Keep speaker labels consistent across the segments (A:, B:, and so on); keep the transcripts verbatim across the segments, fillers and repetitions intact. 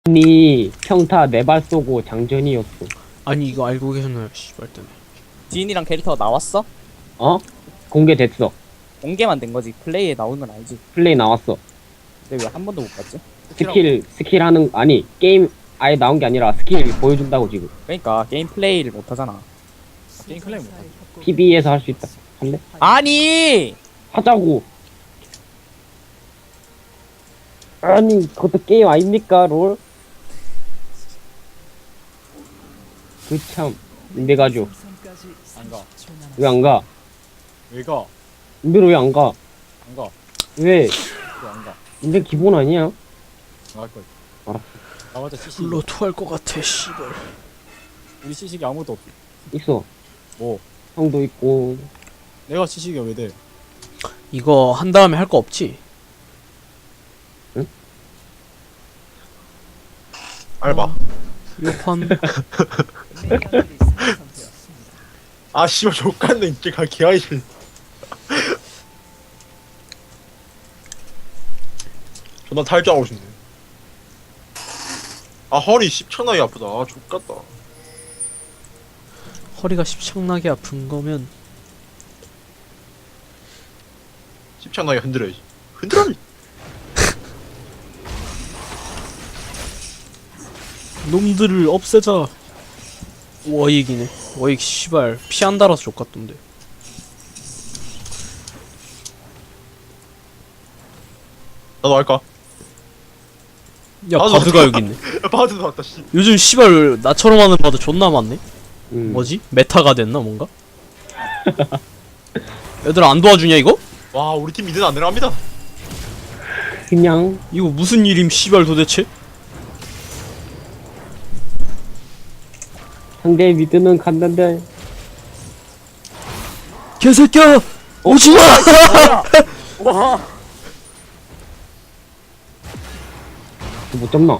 A: 니 평타 네 발 쏘고 장전이었어.
B: 아니 이거 알고 계셨나요? 씨발 때문에.
C: 디인이랑 캐릭터가 나왔어?
A: 어? 공개됐어.
C: 공개만 된 거지. 플레이에 나오는 건 알지.
A: 플레이 나왔어.
C: 근데 왜 한 번도 못 봤지?
A: 스킬 스킬 하는 아니 게임 아예 나온 게 아니라 스킬 보여준다고 지금.
C: 그러니까 게임 플레이를 못 하잖아.
D: 게임 클레임 못하지.
A: 피비에서 할 수 있다. 할래?
C: 아니!
A: 하자고. 아니 그것도 게임 아닙니까 롤? 그참 인베 가죠.
D: 안 가.
A: 왜 안 가?
D: 왜 가?
A: 인베로 왜 안 가?
D: 안 가.
A: 왜?
D: 왜 안 가?
A: 인베 기본 아니야?
D: 안 갈 거야.
A: 알았어.
D: 나머지 시식.
B: 불러 토할 것 같아. 씨발.
D: 우리 시식이 아무것도 없어.
A: 있어.
D: 뭐?
A: 형도 있고.
D: 내가 시식이 왜 돼?
B: 이거 한 다음에 할 거 없지?
A: 응?
E: 알바.
B: 요판.
E: 아 씨발 족같네 이제 가 개아이실. 존나 탈주하고 싶네. 아 허리 십천하게 아프다. 아 족같다.
B: 허리가 십창나게 아픈 거면
E: 십천하게 흔들어야지. 흔들어.
B: 놈들을 없애자. 워익이네. 워익 씨발 피 안 달아서 족같던데.
E: 나도 할까?
B: 야
E: 나도
B: 바드가 여기 있네.
E: 야, 바드 나왔다 씨.
B: 요즘 씨발 나처럼 하는 바드 존나 많네.
A: 음.
B: 뭐지? 메타가 됐나 뭔가? 얘들아 안 도와주냐 이거?
E: 와 우리 팀 미드는 안 내려갑니다.
A: 그냥
B: 이거 무슨 일임 씨발 도대체?
A: 상대 미드는 갔는데.
B: 개새끼야! 오지마!
C: 와!
A: 못 잡나?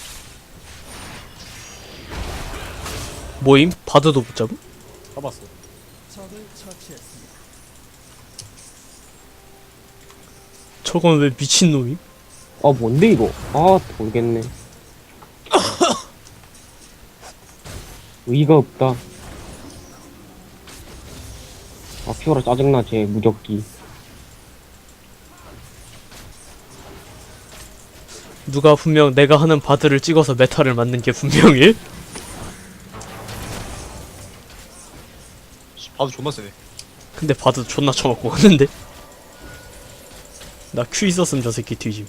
B: 뭐임? 바드도 못 잡음?
D: 잡았어.
B: 저건 왜 미친놈임?
A: 아 뭔데 이거? 아 모르겠네. 의의가 없다. 아 피오라 짜증나 쟤 무적기.
B: 누가 분명 내가 하는 바드를 찍어서 메타를 맞는 게 분명해?
E: 씨, 바드 존나 세네.
B: 근데 바드 존나 쳐먹고 갔는데? 나 큐 있었음 저 새끼 뒤짐.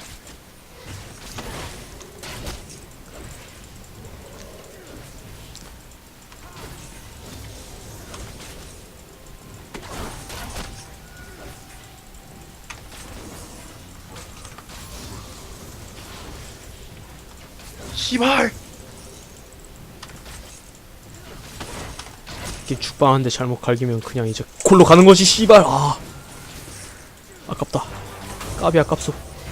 E: 씨발.
B: 이렇게 죽방한데 잘못 갈기면 그냥 이제 골로 가는 거지 씨발. 아 아깝다. 까비 아깝소.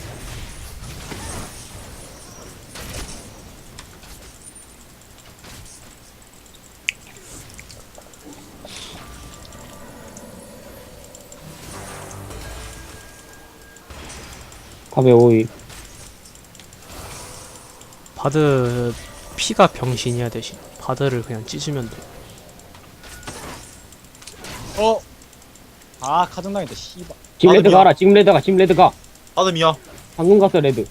A: 탑에 오이.
B: 바드 피가 병신이야 대신 바드를 그냥 찢으면 돼.
D: 어. 아 가정당했다. 씨발.
A: 지금
E: 아,
A: 레드
E: 미안.
A: 가라. 지금 레드 가. 지금 레드 가.
E: 바드미야.
A: 방금 갔어 레드.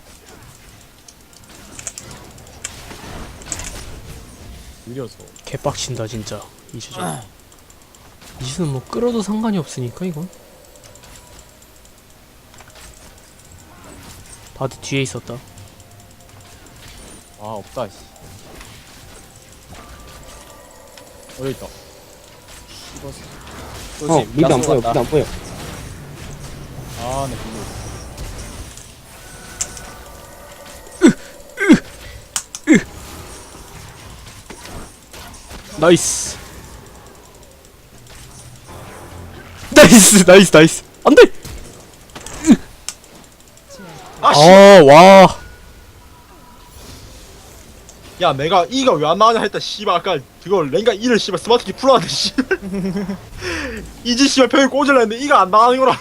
D: 느려서.
B: 개빡친다 진짜 이 주전. 이 주는 뭐 끌어도 상관이 없으니까 이건. 바드 뒤에 있었다.
D: 아 없다. 씨. 어디 있다. 씹었어.
A: 어 미드 안 보여. 미드 안 보여.
D: 아, 네, 근데.
B: 나이스. 나이스 나이스 나이스. 안돼.
E: 아 씨.
B: 아 와.
E: 야 내가 E가 왜 안 나가냐 했다 씨발. 아까 그거 랭가 E를 씨발 스마트키 풀어왔는데 씨발. 이지 씨발 벽에 꽂으려 했는데 E가 안 나가는 거라.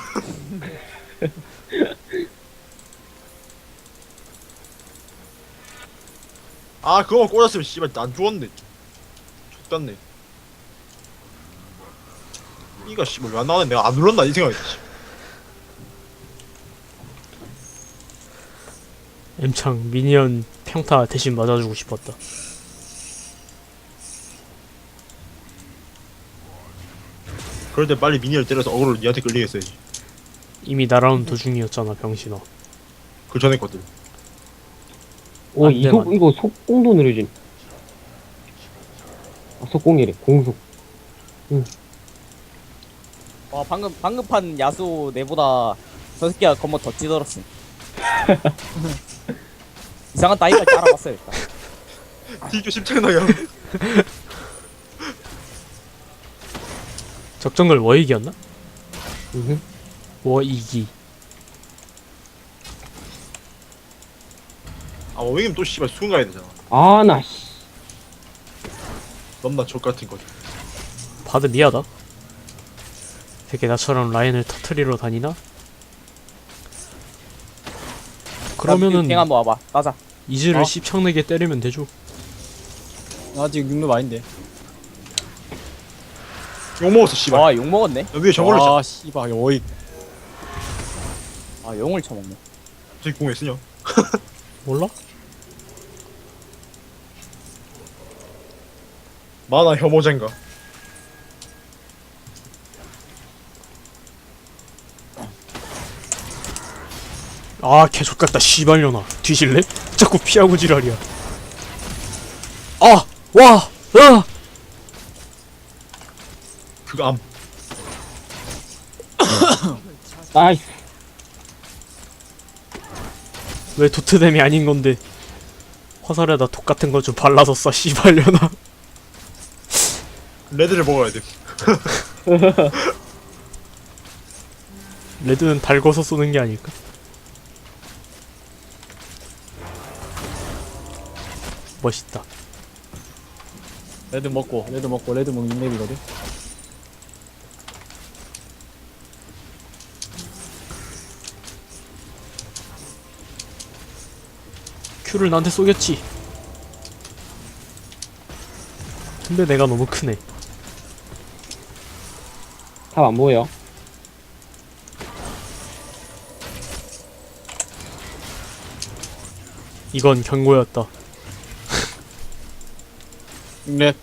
E: 아 그거만 꽂았으면 씨발 안 죽었네. 죽었네. 이가 씨발 왜 안 나오네. 내가 안 눌렀나 이 생각이 씨.
B: 엠창 미니언 평타 대신 맞아주고 싶었다.
E: 그럴 때 빨리 미니를 때려서 어그로 니한테 끌리겠어야지.
B: 이미 날아온 도중이었잖아 병신아.
E: 그 전에 것들.
A: 오,
B: 안 돼,
A: 이속,
B: 안 돼.
A: 이거 속공도 느려진. 아, 속공이래. 공속.
C: 와 방금 방금 판 야수 내보다 저 새끼가 건모 더 찌들었어. 이상한 따위까지 알아봤어요 일단.
E: 딜교 심창나게 하고.
B: 적정글 워익이었나?
A: 음.
B: 워익이.
E: 아 어웨이면 또 씨발 수군 가야 되잖아.
A: 아, 나, 씨.
E: 넘나 족같은 거지.
B: 바드 미하다. 되게 나처럼 라인을 터트리러 다니나? 그러면은
C: 갱 한번 와봐. 따자.
B: 이즈를
D: 어?
B: 씹창내게 때리면 되죠.
D: 나 지금 육렙 아닌데.
E: 욕 먹었어 씨발.
C: 와 욕 먹었네.
E: 야, 위에 저걸로 아,
D: 아 씨발 어이.
C: 아 용을 쳐먹네.
E: 저기 공에 쓰냐?
B: 몰라?
E: 마나 혐오젠가.
B: 아 개족같다 씨발려나. 뒤질래? 자꾸 피하고 지랄이야. 아! 와! 아!
E: 그거 암.
A: 나이스.
B: 왜 도트뎀이 아닌 건데 화살에다 독 같은 거 좀 발라서 쏴 씨발려나.
E: 레드를 먹어야 돼.
B: 레드는 달궈서 쏘는 게 아닐까? 멋있다.
D: 레드 먹고 레드 먹고 레드 먹는 맵이거든.
B: 큐를 나한테 쏘겠지. 근데 내가 너무 크네.
A: 탑 안 보여.
B: 이건 경고였다.
D: 육렙.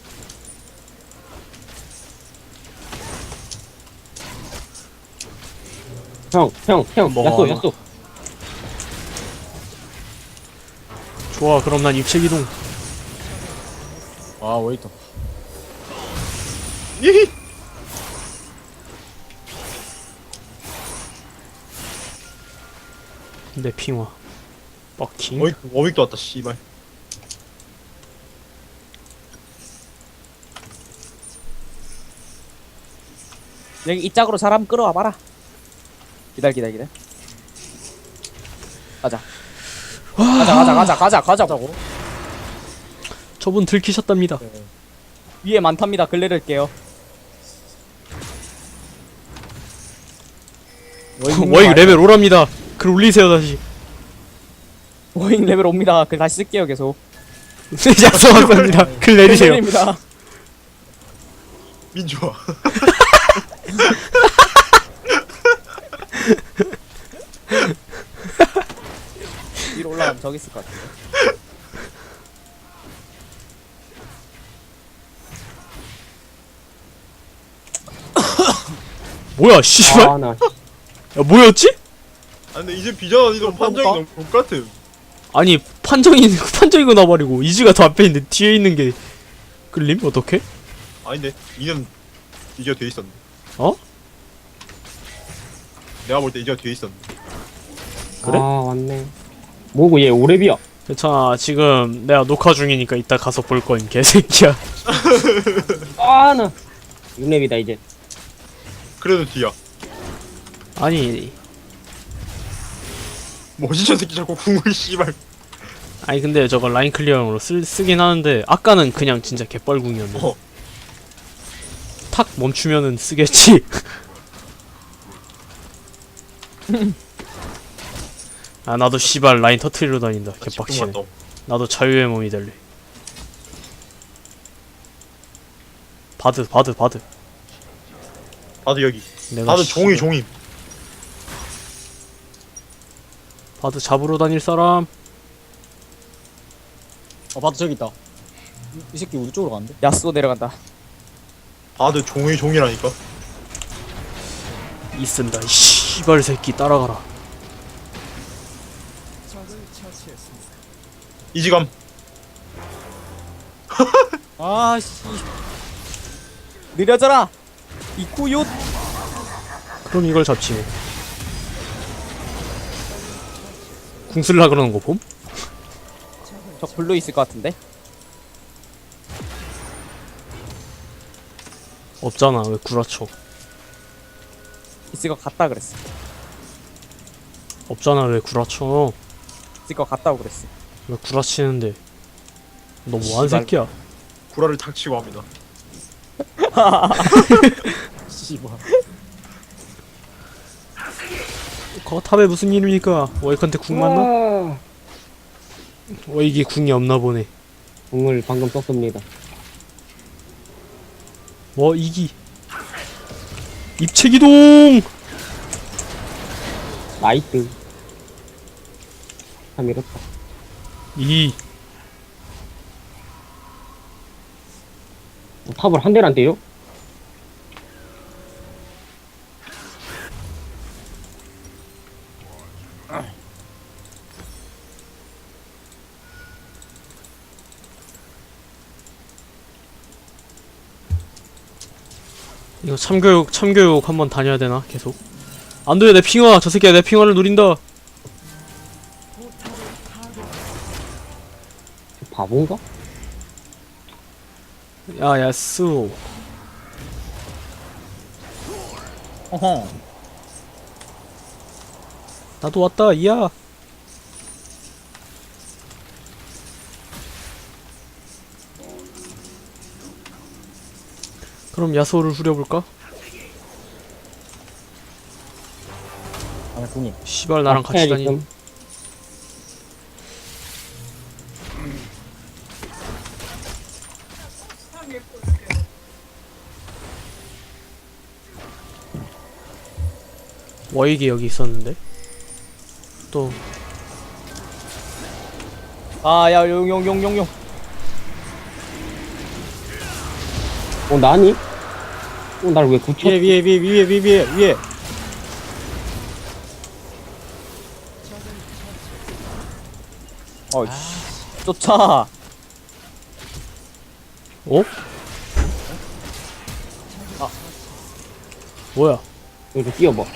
A: 형, 형, 형.
B: 뭐가
A: 야쏘,
B: 하나?
A: 야쏘.
B: 좋아 그럼 난 입체기동.
D: 아 웨이터.
E: 이히.
B: 내 핑화. 버킹.
E: 어윅 어윅도 왔다 씨발.
C: 여기 이 짝으로 사람 끌어와 봐라. 기다려 기다려 기다려. 가자. 가자 가자 가자 가자 가자고.
B: 저분 들키셨답니다.
C: 위에 많답니다. 글래를게요.
B: 워익 레벨 오랍니다. 글 올리세요 다시.
C: 워잉 레벨 옵니다. 글 다시 쓸게요 계속.
B: 약속합니다. 글 내리세요.
C: 글입니다.
E: 민주화.
C: 위로 올라가면 저기 있을 것 같은데.
B: 뭐야 씨발.
A: 아, 나.
B: 야 뭐였지?
E: 아 근데 이제 비전 이동 판정이 너무 똑같음.
B: 아니 판정이 판정이고 나버리고 이즈가 더 앞에 있는데 뒤에 있는 게 끌림? 어떡해?
E: 아닌데 이는 이제가 돼 있었네.
B: 어?
E: 내가 볼 때 이제가 돼 있었네.
B: 그래?
A: 아, 왔네. 뭐고, 얘 오랩이야.
B: 괜찮아 지금 내가 녹화 중이니까 이따 가서 볼 거임 개새끼야.
A: 아, 나. 육 렙이다, 이제.
E: 그래도 뒤야.
B: 아니
E: 뭐지 저 새끼 자꾸 궁을 씨발.
B: 아니 근데 저거 라인 클리어용으로 쓰, 쓰긴 하는데 아까는 그냥 진짜 개뻘궁이었네.
E: 어.
B: 탁 멈추면은 쓰겠지. 아 나도 씨발 라인 터트리러 다닌다. 개빡치네.
E: 집중 왔다.
B: 나도 자유의 몸이 될래. 바드 바드 바드.
E: 바드 여기.
B: 내가
E: 바드
B: 씨-
E: 종이 종임.
B: 바드 잡으러 다닐 사람.
D: 어 바드 저기 있다. 이, 이 새끼 우리 쪽으로 가는데?
C: 야스오 내려간다.
E: 바드 종이 종이라니까.
B: 있습니다. 이 씨발 새끼 따라가라.
E: 이지감.
D: 아씨.
C: 느려져라. 이쿠요.
B: 그럼 이걸 잡지 뭐. 궁 쓸라 그러는 거 봄?
C: 저 블루 있을 것 같은데.
B: 없잖아. 왜 구라쳐?
C: 있을 것 같다 그랬어.
B: 없잖아. 왜 구라쳐?
C: 있을 것 같다고 그랬어.
B: 왜 구라치는데? 너 뭐하는
C: 씨발.
B: 새끼야?
E: 구라를 탁치고 합니다.
D: 씨발.
B: 거탑에 무슨 일입니까? 워이컨테 궁 맞나?
A: 와,
B: 워이기 궁이 없나 보네.
A: 궁을 방금 썼습니다.
B: 뭐 이기 입체기동.
A: 나이트. 참 이렇다.
B: 이
A: 뭐 탑을 한 대를 안 때려?
B: 이거 참교육 참교육 한번 다녀야 되나 계속? 안돼 내 핑화 저 새끼야 내 핑화를 노린다.
A: 바본가?
B: 야 야스.
D: 어허.
B: 나도 왔다 이야. 그럼 야소를 후려볼까?
D: 아니 궁이.
B: 씨발 나랑
A: 아,
B: 같이 다니.
A: 있음.
B: 워익이 여기 있었는데 또
C: 아야 용용용용용.
A: 어, 나니? 어, 날 왜 굳혀?
D: 위에 위에 위에 위에 위에 위에 위에.
C: 어 쫓아.
B: 어?
C: 아.
B: 뭐야?
A: 여기 뛰어봐.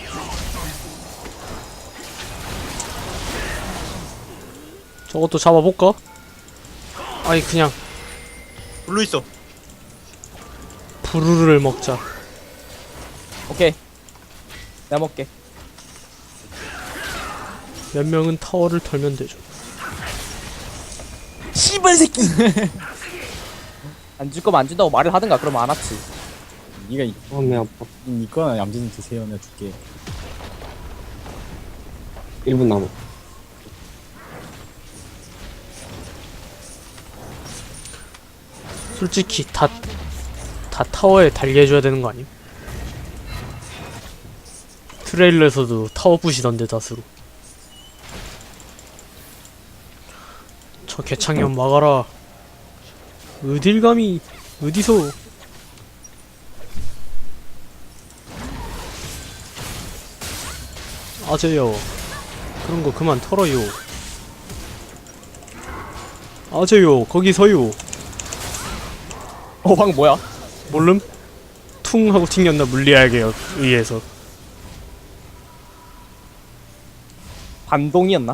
B: 저것도 잡아볼까? 아니 그냥
E: 블루 있어.
B: 부르르를 먹자.
C: 오케이. 내가 먹게.
B: 몇 명은 타워를 털면 되죠.
C: 씨발 새끼. 안 줄 거면 안 준다고 말을 하든가. 그러면 안 왔지.
D: 니가 이
A: 어, 매 아파.
D: 니꺼나 얌전히 드세요. 내가 줄게.
A: 일 분 남아.
B: 솔직히 다, 다 타워에 달게 해줘야 되는 거 아님? 트레일러에서도 타워 부시던데 다수로. 저 개창년 막아라. 어딜 감히 어디서? 아재요 그런 거 그만 털어요. 아재요 거기서요.
C: 어 방금 뭐야?
B: 몰름? 퉁 하고 튕겼나 물리학에 의해서.
C: 반동이었나?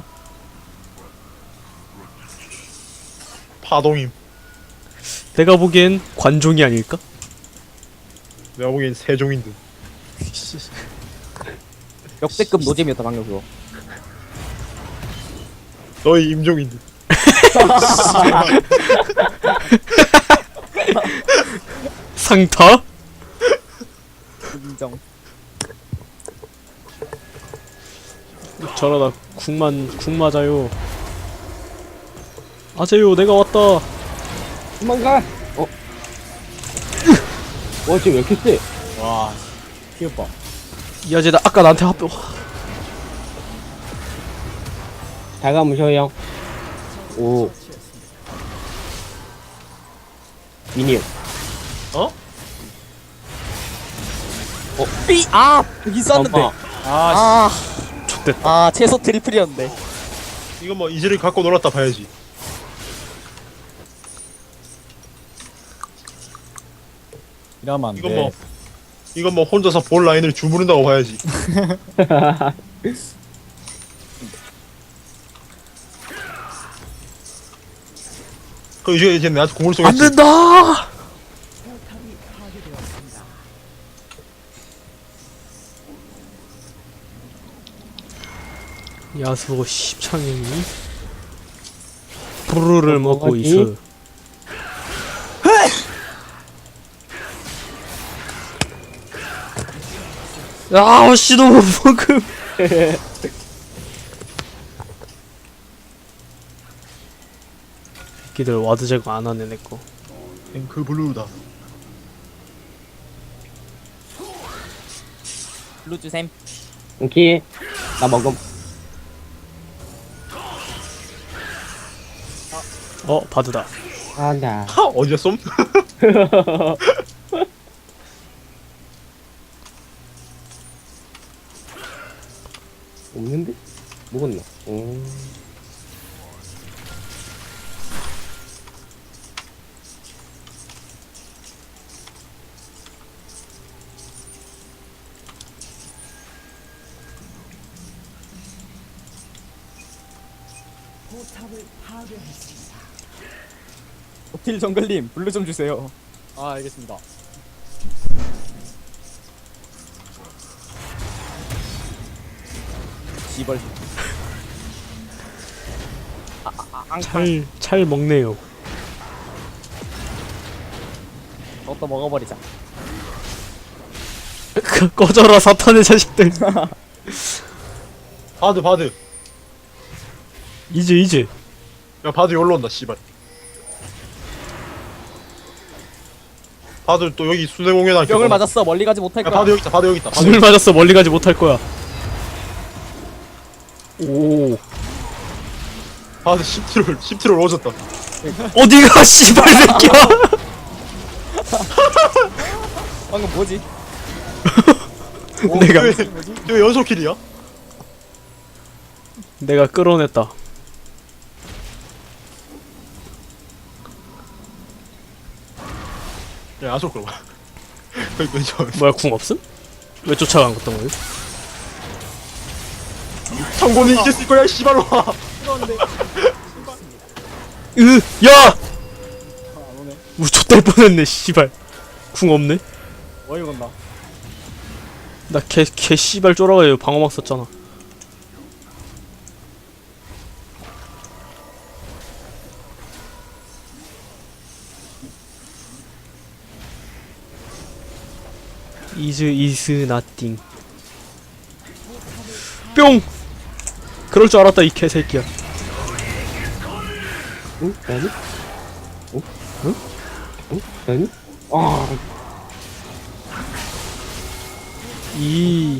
E: 파동임.
B: 내가 보기엔 관종이 아닐까?
E: 내가 보기엔 세종인 듯.
C: 역대급 노잼이었다 방금 그거.
E: 너희 임종인 듯.
B: 상타?
C: 인정.
B: 저러다 국만 국 맞아요. 아재요 내가 왔다.
A: 도망가. 어. 와 지금 왜 이렇게 세?
D: 와 귀엽다.
B: 이 아재 나 아까 나한테 합.
A: 잘 가무셔 형. 오. 미니언.
E: 어?
C: 삐! 아! 있었는데.
A: 엄마.
D: 아,
C: 아,
B: 좋됐다.
C: 아, 최소 트리플이었는데.
E: 이거 뭐 이즈를 갖고 놀았다 봐야지.
D: 이러면 안 돼.
E: 이건 뭐 이건 뭐 혼자서 볼 라인을 주무른다고 봐야지. 그 이제 이제 나한테 공을
B: 안
E: 쏘겠지.
B: 된다. 야수 십창형이 부르를 먹고
A: 뭐지?
B: 있어. 아, 씨, 너무 방금. 새끼들 와드 제거 안 하네, 내꺼.
E: 앵크 블루다.
C: 블루 주셈.
A: 오케이. 나 먹음.
B: 어, 바드다.
A: 아 나.
E: 하 어디야 쏨?
A: 없는데? 먹었나? 오.
C: 오틸 정글님, 블루 좀 주세요.
D: 아 알겠습니다.
C: 씨발. 아, 아, 아, 앙칼.
B: 찰, 찰 먹네요.
C: 너도 먹어버리자.
B: 꺼져라, 사탄의 자식들.
E: 바드 바드.
B: 이제, 이제.
E: 야 바드 여기로 온다 씨발. 바드 또 여기 순회 공연할
C: 병을 맞았어. 멀리 가지 못할
E: 야
C: 거야.
E: 바드 여기 있다. 바드 여기 있다. 바드
B: 숨을 맞았어, 멀리 가지 못할 거야. 오.
E: 바드 십 트롤 십 트롤 오졌다.
B: 어디가, 씨발 새끼야.
C: 방금 뭐지?
B: 내가,
E: 왜 연속 킬이야?
B: 내가 끌어냈다.
E: 야 아속 끌어봐. 거기 왼쪽.
B: 뭐야, 궁 없음? 왜 쫓아간 것던 거야?
E: 정권이 이겼을 거야 씨발로.
B: 으, 야!
D: 안 오네.
B: 우리 좆될 뻔했네, 씨발. 궁 없네?
D: 어이 건다.
B: 나 개, 개 씨발 쫄아가지고 방어막 썼잖아. 이즈 이즈 나띵. 뿅! 그럴 줄 알았다, 이 개새끼야.
A: 응? 나니? 응? 응? 응? 나니? 아.
B: 이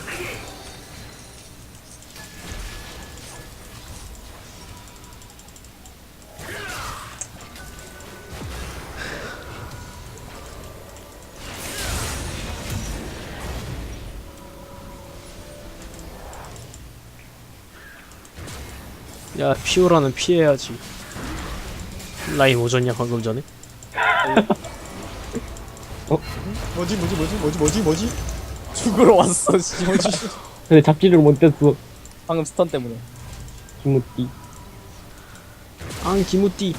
B: 야, 피오라는 피해야지. 라임 오졌냐 방금 전에?
D: 뭐지 뭐지 뭐지 뭐지 뭐지 뭐지?
C: 죽으러 왔어. 씨. 뭐지?
A: 근데 잡지를 못했어.
C: 방금 스턴 때문에.
A: 김우띠.
B: 앙 기무띠.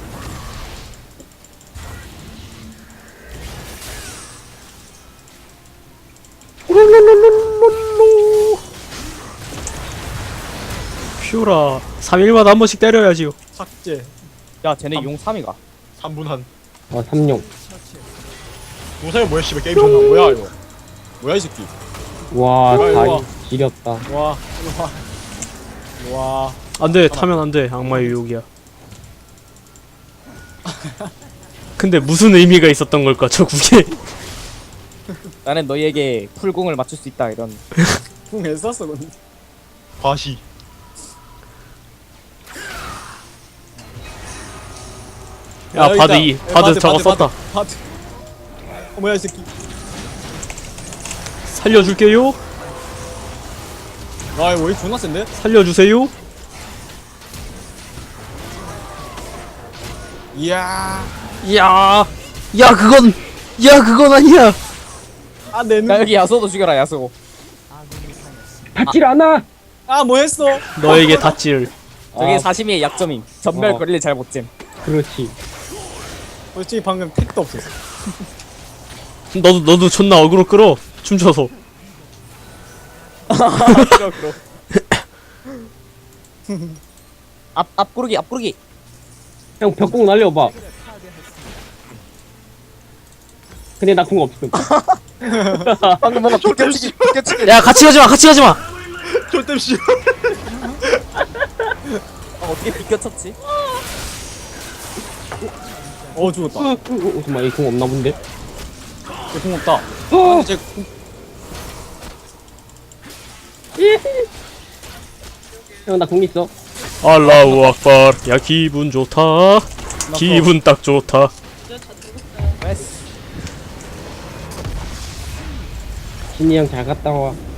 B: 피오라 삼 일마다 한 번씩 때려야지요.
D: 삭제.
C: 야, 쟤네 용 삼 위가.
E: 삼 분 한.
A: 아 삼룡.
E: 동사이 뭐야 씨발 게임 존나.
D: 뭐야 이거? 뭐야 이 새끼?
A: 와
D: 이거,
A: 다리
D: 이거.
A: 지렸다.
D: 와 이리 와. 이리 와.
B: 안돼, 타면 안돼. 악마의 유혹이야. 근데 무슨 의미가 있었던 걸까 저 국에.
C: 나는 너희에게 풀공을 맞출 수 있다 이런.
D: 궁 했었어 근데.
E: 과시.
B: 야
D: 여기
B: 바드
D: 있다.
B: 이
D: 야,
B: 바드 저거
D: 바드,
B: 썼다.
D: 바드. 어 뭐야 이 새끼.
B: 살려줄게요.
D: 아 이거 왜 존나 센데?
B: 살려주세요.
D: 이야.
B: 야, 야 그건, 야 그건 아니야.
D: 아내 눈.
C: 야 여기 야수도 죽여라 야수.
A: 닿질 않아.
D: 아뭐 했어?
B: 너에게 닷질.
C: 저게
A: 아.
C: 사시미의 약점임. 전멸
A: 어.
C: 거리를 잘 못 잼.
A: 그렇지.
D: 솔직히 방금 택도 없었어.
B: 너도 너도 존나 어그로 끌어. 춤춰서.
C: 그럼 그럼. 앞 앞구르기 앞구르기.
A: 형 벽공 날려봐. 근데 나 궁 없음.
C: 방금 뭔가 비껴치기 비껴치기.
B: 야 같이 가지 마, 같이 가지 마.
E: 쫄땜 씨.
C: 아, 어떻게 비껴쳤지?
D: 어 죽었다.
A: 어, 어, 어, 잠깐만, 이 궁 없나 본데?
D: 얘궁 없다.
A: 어!
D: 이제 궁-
A: 형, 나 궁 있어.
B: 알라우 악발. 야 기분 좋다. 기분 딱 좋다.
C: 나이스.
A: 진이 형 잘 갔다 와.